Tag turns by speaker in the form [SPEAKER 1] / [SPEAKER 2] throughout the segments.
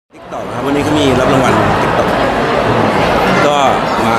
[SPEAKER 1] ติ๊กต็อกครับวันนี้ก็มีรับรางวัลติ๊กต็อกก็มา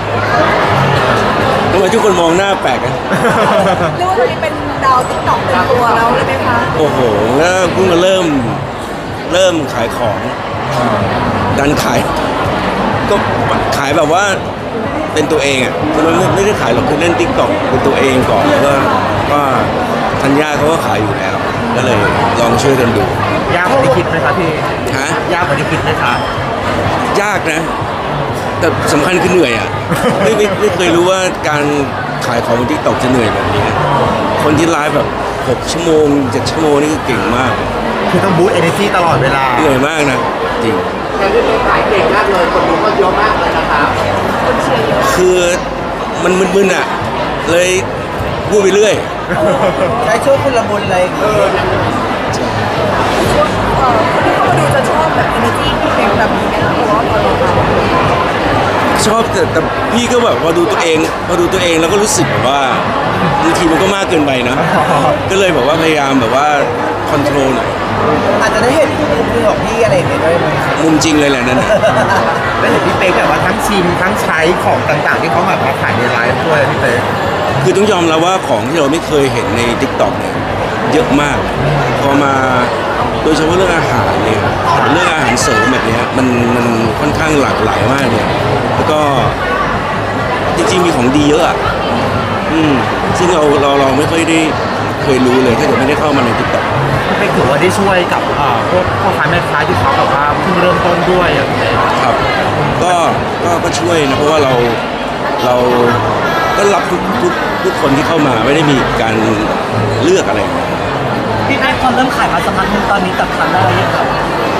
[SPEAKER 1] ทำไมทุกคนมองหน้าแปลกอะ
[SPEAKER 2] เรียกว่าตอนนี้เป็นดาวติ๊กต็อกเต็มตัวแล้วเลยไหมคะ
[SPEAKER 1] โอ้โหแล้วเพิ่งมาเริ่มขายของดันขายก็ขายแบบว่าเป็นตัวเองอ่ะมันไม่ได้ขายหรอกคือเล่นติ๊กต็อกเป็นตัวเองก่อนแล้วก็ธัญญาเขาก็ขายอยู่แล้วก็เลยลองช่วยกันดู
[SPEAKER 3] ยากกว่าที่คิดไหมครับพี่
[SPEAKER 1] ฮะ
[SPEAKER 3] ยากกว่าที่คิดไหมครับ
[SPEAKER 1] ยากนะแต่สำคัญคือเหนื่อยอ่ะไม่เคยรู้ว่าการขายของบนทิกตอกจะเหนื่อยแบบนี้คนที่ไลฟ์แบบ6 ชั่วโมง 7 ชั่วโมงนี่คือเก่งมาก
[SPEAKER 3] คือต้องบูสต์ energy ตลอดเวลา
[SPEAKER 1] เหนื่อยมากนะจริง
[SPEAKER 4] แต่ที่เป็นขายเก่งมากเลยคนดูก็เยอะมากเลยนะครับ
[SPEAKER 1] คือมันมึนๆอ่ะเลยพูดไปเรื่อย
[SPEAKER 3] ใช้ช่วงคุณละมุนเลย
[SPEAKER 2] ช่วงคนที่เข้ามาดูจะชอบแบบ energy ที่เป็นแบบนี้ไหมคะเพราะว่าตอนเรา
[SPEAKER 1] ชอบแต่พี่ก็แบบพอดูตัวเองแล้วก็รู้สึกแบบว่าบางทีมันก็มากเกินไปนะก็เลยแบบว่าพยายามแบบว่าคอนโทรลหน่อย
[SPEAKER 3] อาจจะได้เห็นมุมของพี่อะไรอย่างเงี้ยด้วยไหม
[SPEAKER 1] มุมจริงเลยแหละนั่น
[SPEAKER 3] ได้เห็นพี่เป๊กแบบว่าทั้งชิมทั้งใช้ของต่างๆที่เขามาขายในไลฟ์ด้วยพี่เป๊ก
[SPEAKER 1] คือต้องยอมรับว่าของที่เราไม่เคยเห็นใน TikTok เนี่ยเยอะมากพอมาโดยเฉพาะเรื่องอาหารเนี่ยเรื่องอาหารเสริมแบบนี้มันค่อนข้างหลากหลายมากเลยแล้วก็จริงๆมีของดีเยอะอ่ะซึ่งเราไม่ค่อยได้เคยรู้เลยถ้าเกิดไม่ได้เข้ามาใน TikTok
[SPEAKER 3] พี่เป๊กถือว่าได้ช่วยกับพวกพ่อค้าแม่ค้าที่เขาแบบว่าเพิ่งเริ่มต้นด้วยอย่างเงี้ย
[SPEAKER 1] ครับก็ช่วยนะเพราะว่าเราก็รับทุกคนที่เข้ามาไม่ได้มีการเลือกอะไร
[SPEAKER 3] พี่ได้พอเริ่มขายมาสักพักนึงตอนนี้จับทางได้หรือยังครับ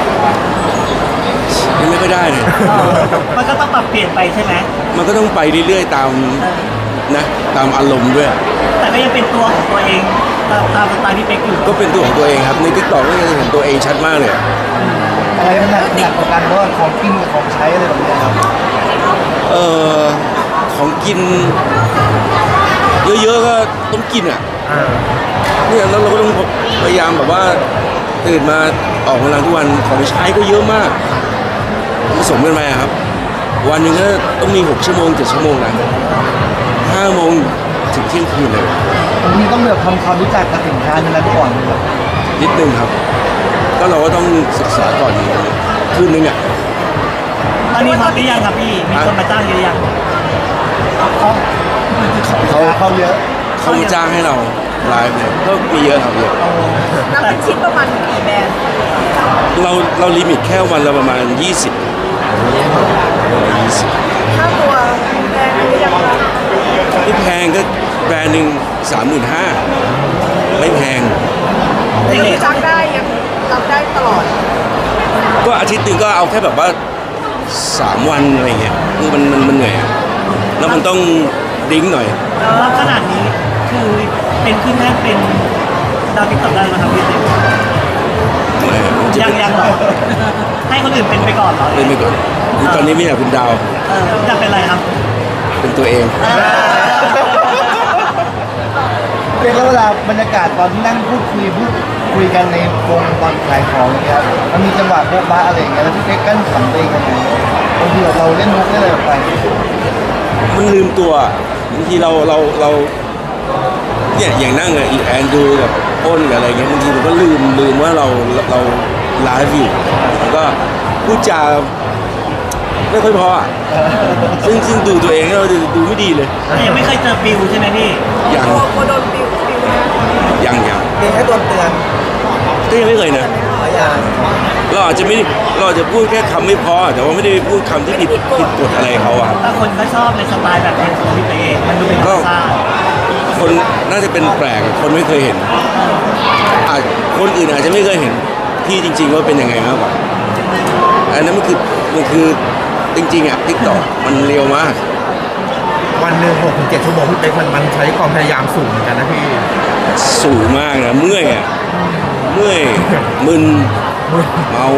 [SPEAKER 1] ยังไม่ค่อยได้เลย
[SPEAKER 3] มันก็ต้องปรับเปลี่ยนไปใช่ไหม
[SPEAKER 1] มันก็ต้องไปเรื่อยๆตามตามอารมณ์ด้วย
[SPEAKER 3] แต่ก็ยังเป็นตัวของตัวเองตามสไตล์พี่เป๊กอยู่
[SPEAKER 1] ก็เป็นตัวของตัวเองครับใน TikTok ก็ยังเห็นตัวเองชัดมากเลย
[SPEAKER 3] อะไรมันหนักกว่ากันเพราะว่าของกินกับของใช้อะไรแบบนี้ครับ
[SPEAKER 1] ของกินเยอะๆก็ต้องกินอ่ะเนี่ยแล้วเราก็ต้องพยายามแบบว่าตื่นมาออกกำลังทุกวันของใช้ก็เยอะมากผสมกันไปครับวันหนึ่งก็ต้องมี6 ชั่วโมง 7 ชั่วโมงนะ5 โมงถึงเที่ยงคืนเลย
[SPEAKER 3] บางทีต้องแบบทำความรู้จักกับสินค้านั้นก่อน
[SPEAKER 1] นิดนึงครับก็เราก็ต้องศึกษาก่อนคืนนึงอ่ะ
[SPEAKER 3] ตอนนี้ฮอตหรือยังครับพี่มีคนมาจ้างเยอะยังเขาเยอะ
[SPEAKER 1] เขามาจ้างให้เราไลฟ์เนี่ยก็มีเยอะครับเยอะ
[SPEAKER 2] นับเป็นชิ้นประมาณกี่แบรนด์
[SPEAKER 1] เราลิมิตแค่วันละประมาณ20
[SPEAKER 2] ค่าตัวแพงหรือยังคะ
[SPEAKER 1] ไม่แพงก็แบรนด์หนึ่ง35,000ไม่แพง
[SPEAKER 2] ยังจ้างได้ยังรับได้ตลอด
[SPEAKER 1] ก็อาทิตย์หนึ่งก็เอาแค่แบบว่า3 วันอะไรเงี้ยคือมันเหนื่อยแล้วมันต้องดิ้งหน่อย
[SPEAKER 3] แล้วขนาดนี้คือเป็นขึ้นแท่นเป็นดาวติ๊กต็อกได้ไหมครับพี่เต้ยังหรอให้คนอื่นเป็นไปก่อนเหรอ
[SPEAKER 1] เป็นไปก่อนตอนนี้ไม่อยากเป็นดาว
[SPEAKER 3] อยากเป็นอะไรครับ
[SPEAKER 1] เป็นตัวเอง
[SPEAKER 3] เป็นแล้วเวลาบรรยากาศตอนที่นั่งพูดคุยกันในวงตอนขายของอย่างเงี้ยมันมีจังหวะโบ๊ะบ้าอะไรอย่างเงี้ยแล้วพี่เป๊กกั้นขำตัวเองกันไงบางทีเราเล่นมุกได้เลยไป
[SPEAKER 1] มันลืมตัวบางทีเราเนี่ยอย่างนั่งอะแอนดูกับอ้นกับอะไรเงี้ยบางทีมันก็ลืมว่าเราไลฟ์อยู่แล้วก็พูดจาไม่ค่อยพอซึ่งดูตัวเองเราดูไม่ดีเลย
[SPEAKER 3] ยังไม่เคยเจอบิวใช่ไหมพี่
[SPEAKER 1] ยัง
[SPEAKER 2] โดนบิว
[SPEAKER 1] ยัง
[SPEAKER 3] มีแค่โดนเตือน
[SPEAKER 1] ก็ยังไม่เคยนะเราอาจจะพูดแค่คำไม่พอแต่ว่าไม่ได้พูดคำที่ผิดกฎอะไรเขาอะ
[SPEAKER 3] ถ้าคนก็ชอบในสไตล์แบบนี้ของพี่เป๊กมันดูเป็นธรรมชาติ
[SPEAKER 1] คนน่าจะเป็นแปลกคนไม่เคยเห็นคนอื่นอาจจะไม่เคยเห็นพี่จริงๆว่าเป็นยังไงมากกว่าอันนั้นมันคือจริงๆอ่ะ TikTok มันเร็วมาก
[SPEAKER 3] วันหนึ่ง6-7 ชั่วโมงพี่เป๊กมันใช้ความพยายามสูงเหมือนกันนะพี่
[SPEAKER 1] สูงมากนะเมื่อยมึนเมา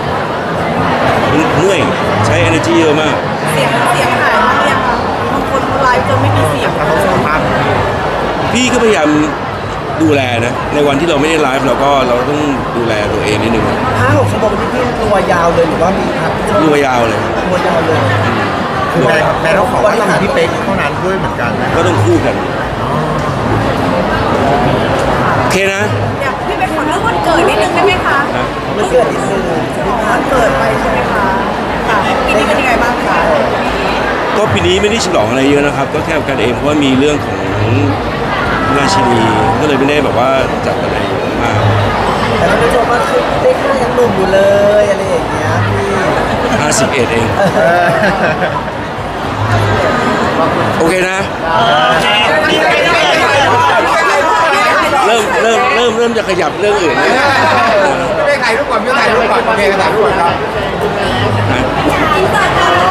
[SPEAKER 1] เมื่อยใช้ energy เยอะมาก
[SPEAKER 2] เสียงหายมากเนี่ยค่ะบางคนไลฟ์จนไม่มีเสียง
[SPEAKER 1] พี่ก็พยายามดูแลนะในวันที่เราไม่ได้ไลฟ์เราต้องดูแลตัวเองนิดนึง
[SPEAKER 3] 5-6 ชั่วโมงที่พี่รู้
[SPEAKER 5] ตัวยาวเลยหรือว่ามีพัก
[SPEAKER 1] ตัวยาวเลย
[SPEAKER 5] ตัวยาวเลย
[SPEAKER 6] คือแม่ต้องขอว่าต้องมีพี่เป๊กเท่านั้นด้วยเหมือนกันนะ
[SPEAKER 1] ก็ต้องคู่กันโอเคนะ
[SPEAKER 2] อยากพี่ไปขอเรื่องวันเกิดนิดนึงได้ไหมคะ
[SPEAKER 5] มันเกิดอีกคือ
[SPEAKER 2] วันเกิดไปใช่ไหมคะค่ะปีนี้เป็นยังไงบ้างคะ
[SPEAKER 1] ก็ปีนี้ไม่ได้ฉลองอะไรเยอะนะครับ ก็แค่กันเองเพราะว่ามีเรื่องของราชินีก็เลยไม่ได้แบบว่าจัดอะไรเยอะมาก
[SPEAKER 5] แต่ท่านผู้ชมว่าคือเด็กก็ยังหนุ่มอยู่เลยอะไรอย่างเงี้ยพี่
[SPEAKER 1] 51เองโอเคนะ เริ่มจะขยับเรื่องอื่นนะ
[SPEAKER 6] ไม่ถ่ายรูปก่อนไม่ถ่ายรูปก่อนโอเคถ่ายรูปก่อนครับ
[SPEAKER 1] นะ